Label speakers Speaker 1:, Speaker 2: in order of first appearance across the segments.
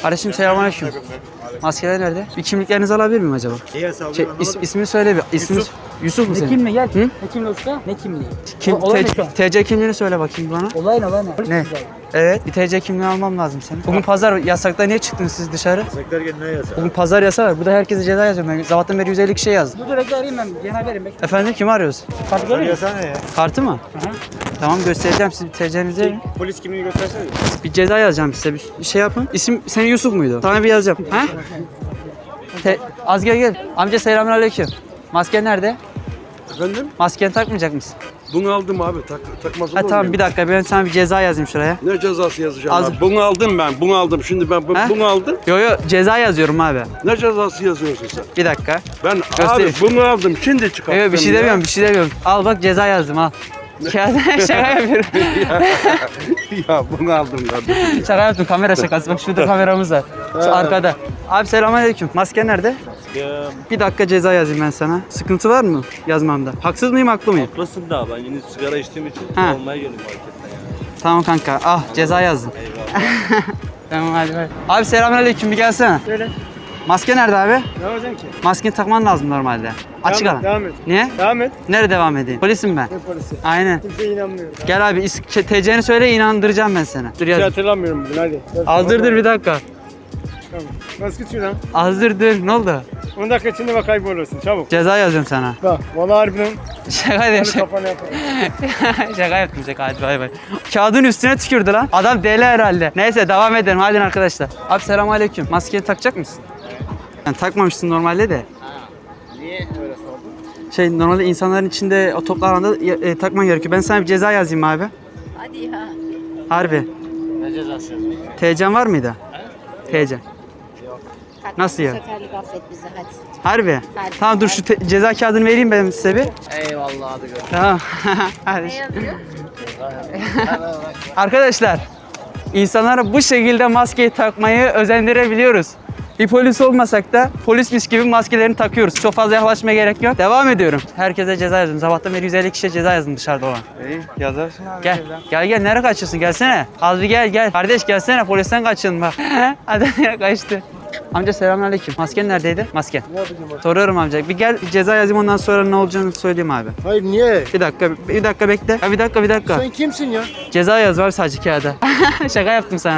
Speaker 1: Kardeşim selamünaleyküm. Maskeler nerede? Bir kimliklerinizi alabilir miyim acaba? İsmini söyle bir. Yusuf mu senin?
Speaker 2: Ne kimliği gel.
Speaker 1: Hı?
Speaker 2: Ne kimliği usta? Ne kimliği? Olay ne şu an?
Speaker 1: TC kimliğini söyle bakayım bana.
Speaker 2: Olay ne?
Speaker 1: Ne? Evet, bir TC kimliği almam lazım senin. Bugün pazar yasakta niye çıktınız siz dışarı?
Speaker 3: Yasaklar gene ne yasak?
Speaker 1: Bugün pazar yasağı var. Burada herkese ceza yazıyorum. Ben sabahtan beri 150 kişi yazdım.
Speaker 2: Dur bekle arayayım ben. Genel verin bekle.
Speaker 1: Efendim kimi arıyoruz?
Speaker 2: Kartı görüyor musun?
Speaker 3: Yasa ne ya?
Speaker 1: Kartı mı?
Speaker 2: Hı hı.
Speaker 1: Tamam göstereceğim size TC'nizi verin.
Speaker 3: Polis kimliğini göstersene.
Speaker 1: Bir ceza yazacağım size. Bir şey yapın. İsim senin Yusuf muydu? Sana bir yazacağım. Ha? Az gel. Amca selamünaleyküm. Masken nerede?
Speaker 4: Efendim?
Speaker 1: Maskeni takmayacak mısın?
Speaker 4: Bunu aldım abi. Takmaz olur
Speaker 1: Ha tamam
Speaker 4: muyum?
Speaker 1: bir dakika ben sana bir ceza yazayım şuraya.
Speaker 4: Ne cezası yazacağım
Speaker 1: Az-
Speaker 4: abi? Bunu aldım ben. Bunu aldım. Şimdi ben
Speaker 1: He?
Speaker 4: bunu aldım.
Speaker 1: Yo ceza yazıyorum abi.
Speaker 4: Ne cezası yazıyorsun sen?
Speaker 1: Bir dakika.
Speaker 4: Ben
Speaker 1: Göstereyim.
Speaker 4: abi bunu aldım. Şimdi çıkarttım.
Speaker 1: Yo bir şey
Speaker 4: ya.
Speaker 1: demiyorum. Al bak ceza yazdım al. Şaka yapıyorum.
Speaker 4: Ya bunu aldım kardeşim.
Speaker 1: Şaka yaptım kamera şakası. Bak şurada kameramız var. Şu arkada. Abi selamünaleyküm. Maske nerede? Bir dakika ceza yazayım ben sana. Sıkıntı var mı yazmamda? Haksız mıyım haklı mıyım?
Speaker 5: Haklısın da ben yeni sigara içtiğim için
Speaker 1: Ha.
Speaker 5: almaya geldim marketten yani.
Speaker 1: Tamam kanka. Ah ceza yazdım.
Speaker 5: Eyvallah.
Speaker 1: Tamam hadi. Abi selamünaleyküm bir gelsene.
Speaker 3: Söyle.
Speaker 1: Maske nerede abi?
Speaker 3: Ne yapacaksın ki?
Speaker 1: Maskeni takman lazım normalde. Açık alan.
Speaker 3: Devam et.
Speaker 1: Niye?
Speaker 3: Devam et.
Speaker 1: Nerede devam edeyim? Polisim ben.
Speaker 3: Ne polisi?
Speaker 1: Aynen.
Speaker 3: Kimseye inanmıyorum.
Speaker 1: Gel abi TC'ni söyle inandıracağım ben seni. Dur
Speaker 3: Hiç
Speaker 1: yaz.
Speaker 3: hatırlamıyorum bugün hadi.
Speaker 1: Azdır bir dakika.
Speaker 3: Tamam. Nasıl git şuradan?
Speaker 1: Azdır ne oldu?
Speaker 3: 10 dakika içinde bak kaybolursun çabuk.
Speaker 1: Ceza yazıyorum sana.
Speaker 3: Bak valla harbiden
Speaker 1: Şaka değil.
Speaker 3: hani kafana yaparım.
Speaker 1: Şaka yaptım şaka hadi bay bay. Kağıdın üstüne tükürdü lan. Adam deli herhalde. Neyse devam edelim hadi arkadaşlar. Abi selamünaleyküm. Maskeni takacak mısın? Yani takmamışsın normalde de.
Speaker 3: Niye öyle sordun?
Speaker 1: Normalde insanların içinde o toplu alanda takman gerekiyor. Ben sana bir ceza yazayım abi.
Speaker 6: Hadi ya.
Speaker 1: Harbi.
Speaker 3: Ne cezası yazıyorsun?
Speaker 1: TC'n var mıydı? TC.
Speaker 6: Kalk,
Speaker 1: Nasıl
Speaker 6: bu
Speaker 1: ya?
Speaker 6: seferlik affet bizi hadi.
Speaker 1: Harbi.
Speaker 6: Hadi.
Speaker 1: Tamam dur şu ceza kağıdını vereyim ben size bir.
Speaker 3: Eyvallah hadi gör.
Speaker 1: Tamam. Hadi.
Speaker 6: Ne yazıyor?
Speaker 1: Arkadaşlar, insanlara bu şekilde maskeyi takmayı özendirebiliyoruz. Bir polis olmasak da polismiş gibi maskelerini takıyoruz. Çok fazla yaklaşmaya gerek yok. Devam ediyorum. Herkese ceza yazdım. Sabahtan beri 150 kişiye ceza yazdım dışarıda olan.
Speaker 4: İyi yazarsın abi.
Speaker 1: Gel. Nereye kaçıyorsun? Gelsene. Az bir gel. Kardeş gelsene. Polisten kaçın bak. Adam nereye kaçtı? Amca selamünaleyküm. Masken neredeydi? Maske.
Speaker 3: Ne yapacağım abi?
Speaker 1: Soruyorum amca. Bir gel ceza yazayım ondan sonra ne olacağını söyleyeyim abi.
Speaker 3: Hayır niye?
Speaker 1: Bir dakika bekle. Ya bir dakika.
Speaker 3: Sen kimsin ya?
Speaker 1: Ceza yaz var sadece kağıda. Şaka yaptım sana.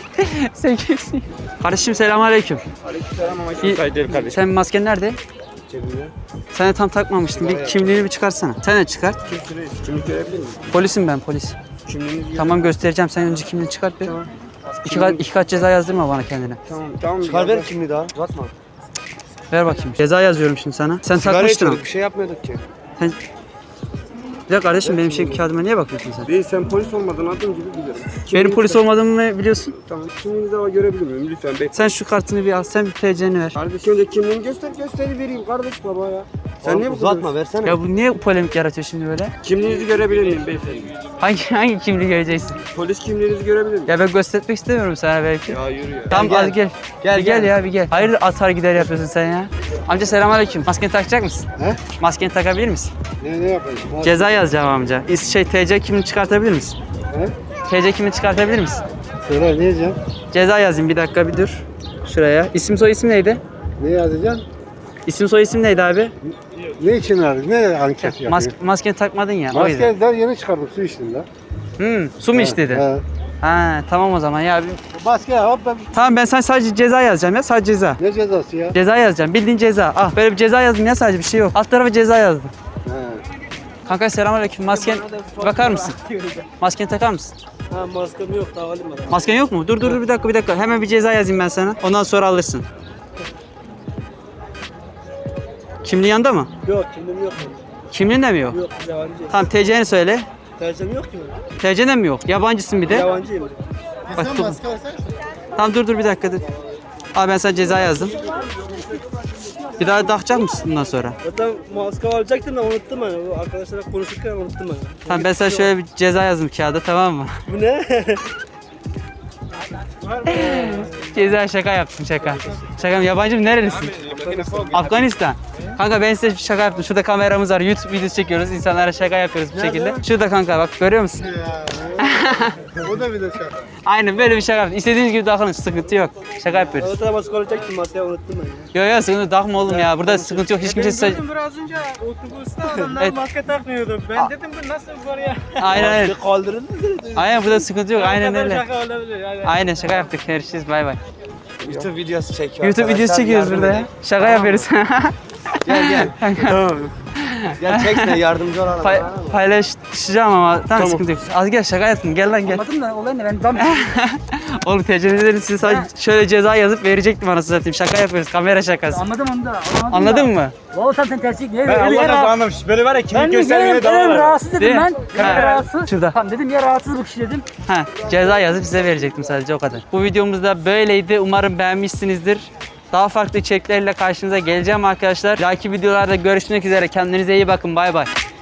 Speaker 1: Sen kimsin? Kardeşim selamünaleyküm.
Speaker 3: Aleykümselam ama
Speaker 1: İyi.
Speaker 3: kayıt değil kardeşim.
Speaker 1: Sen masken nerede?
Speaker 3: Cebimde.
Speaker 1: Sen de tam takmamıştın. Bir kimliğini bir çıkarsana. Sen de çıkart.
Speaker 3: Kimsiniz? Kimlik görebilir miyim?
Speaker 1: Polisim ben polis.
Speaker 3: Kimliğinizi
Speaker 1: Tamam göstereceğim. Sen önce kimliğini çıkart bir.
Speaker 3: Tamam.
Speaker 1: İki kat ceza yazdırma bana kendine.
Speaker 3: Tamam. Çıkar ver kimliği daha. Uzatma.
Speaker 1: Ver bakayım. Ceza yazıyorum şimdi sana. Sen takmıştın ama.
Speaker 3: Bir şey yapmıyorduk ki.
Speaker 1: Sen... Bir dakika kardeşim benim kağıdıma niye bakıyorsun sen?
Speaker 4: Değil sen polis olmadığın adım gibi bilirim.
Speaker 1: Benim polis olmadığımı biliyorsun.
Speaker 4: Tamam. Kimliğinizi ama görebilir miyim? Lütfen bekle.
Speaker 1: Sen şu kartını bir al. Sen bir TC'ni ver.
Speaker 4: Kardeşim önce kimliğini gösteri vereyim kardeş baba ya. Sen niye bu uzatma
Speaker 3: versene.
Speaker 1: Ya bu niye polemik yaratıyor şimdi böyle?
Speaker 4: Kimliğinizi görebilir miyim beyefendi?
Speaker 1: Hangi kimliği göreceksin?
Speaker 4: Polis kimliğinizi görebilir miyim?
Speaker 1: Ya ben göstermek istemiyorum sana belki.
Speaker 4: Ya yürü ya.
Speaker 1: Tamam
Speaker 3: Gel,
Speaker 1: hadi gel. Gel ya bir gel. Hayır atar gider yapıyorsun sen ya. Amca selamünaleyküm. Maskeni takacak mısın?
Speaker 4: He?
Speaker 1: Maskeni takabilir misin?
Speaker 4: Ne yapayım?
Speaker 1: Ceza yazacağım amca. TC kimliğini çıkartabilir misin?
Speaker 4: He?
Speaker 1: TC kimliğini çıkartabilir misin?
Speaker 4: Söyle ne yazacaksın?
Speaker 1: Ceza yazayım bir dakika bir dur. Şuraya. İsim soy isim neydi?
Speaker 4: Ne yazacaksın?
Speaker 1: İsim soy isim neydi abi?
Speaker 4: Ne için aradın? Ne anket yapıyorsun?
Speaker 1: Maskeni takmadın ya. O yüzden.
Speaker 4: Maskeden yeni çıkardım su içtim de.
Speaker 1: Su mu iç dedi?
Speaker 4: He.
Speaker 1: Ha tamam o zaman ya.
Speaker 4: Maske hop ben.
Speaker 1: Tamam ben sana sadece ceza yazacağım ya sadece ceza.
Speaker 4: Ne cezası ya?
Speaker 1: Ceza yazacağım. Bildiğin ceza. Ah böyle bir ceza yazdım ya sadece bir şey yok. Alt tarafa ceza yazdım.
Speaker 4: He.
Speaker 1: Kanka selamünaleyküm. Masken bakar mısın? Maskeni takar mısın?
Speaker 5: Ha maskem yok daha alayım ben.
Speaker 1: Masken yok mu? Dur bir dakika. Hemen bir ceza yazayım ben sana. Ondan sonra alırsın. Kimliğin yanında mı?
Speaker 5: Yok kimliğim yok.
Speaker 1: Kimliğin de mi yok?
Speaker 5: Yok yabancı.
Speaker 1: Tamam TC'ni söyle.
Speaker 5: Tercihim yok ki
Speaker 1: TC'den mi yok? Yabancısın bir de.
Speaker 5: Yabancıyım.
Speaker 1: Bak, dur. Tamam dur bir dakika dur. Abi ben sana ceza yazdım. Bir daha takacak mısın bundan sonra?
Speaker 5: Zaten maske alacaktım da unuttum ben. O arkadaşlarla konuşurken unuttum ben.
Speaker 1: Tamam ben sana şöyle bir ceza yazdım kağıda tamam mı?
Speaker 5: Bu ne?
Speaker 1: Ceza şaka yaptım şaka. Şaka yabancı mı nerelisin? Afganistan. Kanka ben size bir şaka yaptım. Şurada kameramız var. YouTube videosu çekiyoruz. İnsanlara şaka yapıyoruz bu şekilde. Şurada kanka bak görüyor musun?
Speaker 4: O da bir de şaka.
Speaker 1: Aynen böyle bir şaka yaptım. İstediğiniz gibi takılın. Sıkıntı yok. Şaka yapıyoruz.
Speaker 5: Ortada maske olacaktım masaya unuttum ben ya.
Speaker 1: Yok sıkıntı takma oğlum ya. Burada sıkıntı yok. Hiç kimse
Speaker 2: biraz önce otobüste adamlar
Speaker 1: Evet.
Speaker 2: maske takmıyordu. Ben dedim bu nasıl var ya?
Speaker 1: Aynen.
Speaker 5: Maske kaldırıldı mı?
Speaker 1: Aynen burada sıkıntı yok. Aynen öyle.
Speaker 2: Şaka olabilir. Yani.
Speaker 1: Aynen şaka yaptık. Görüşürüz. Bay bay.
Speaker 3: YouTube videosu çekiyor.
Speaker 1: YouTube videosu
Speaker 3: arkadaşlar,
Speaker 1: çekiyoruz
Speaker 3: yardım
Speaker 1: burada ya.
Speaker 3: edin.
Speaker 1: Şaka yapıyoruz.
Speaker 3: Gel gel. Tamam. Gel çekme yardımcı olalım.
Speaker 1: Paylaşacağım ama tamam sıkıntı yok. Az gel şaka yaptım. Gel lan gel.
Speaker 2: Anladın da olay ne? Ben tam
Speaker 1: Oğlum tecrübeleri size sadece şöyle ceza yazıp verecektim anasını satayım. Şaka yapıyoruz. Kamera şakası.
Speaker 2: anladım onu da.
Speaker 1: Anladın mı?
Speaker 2: Vallahi sen tersi niye
Speaker 3: Ben
Speaker 2: öyle
Speaker 3: Allah'tan
Speaker 2: ya?
Speaker 3: anlamış. Böyle var ya
Speaker 2: Ben
Speaker 3: kimlik
Speaker 2: de
Speaker 3: göstermeye
Speaker 2: benim
Speaker 3: devam
Speaker 2: rahatsız dedim
Speaker 1: Değil mi?
Speaker 2: ben.
Speaker 1: Ha.
Speaker 2: Rahatsız.
Speaker 1: Şurada.
Speaker 2: Tamam dedim ya rahatsız bu kişi dedim.
Speaker 1: Ha, ceza yazıp size verecektim sadece o kadar. Bu videomuz da böyleydi. Umarım beğenmişsinizdir. Daha farklı içeriklerle karşınıza geleceğim arkadaşlar. Bir dahaki videolarda görüşmek üzere. Kendinize iyi bakın. Bay bay.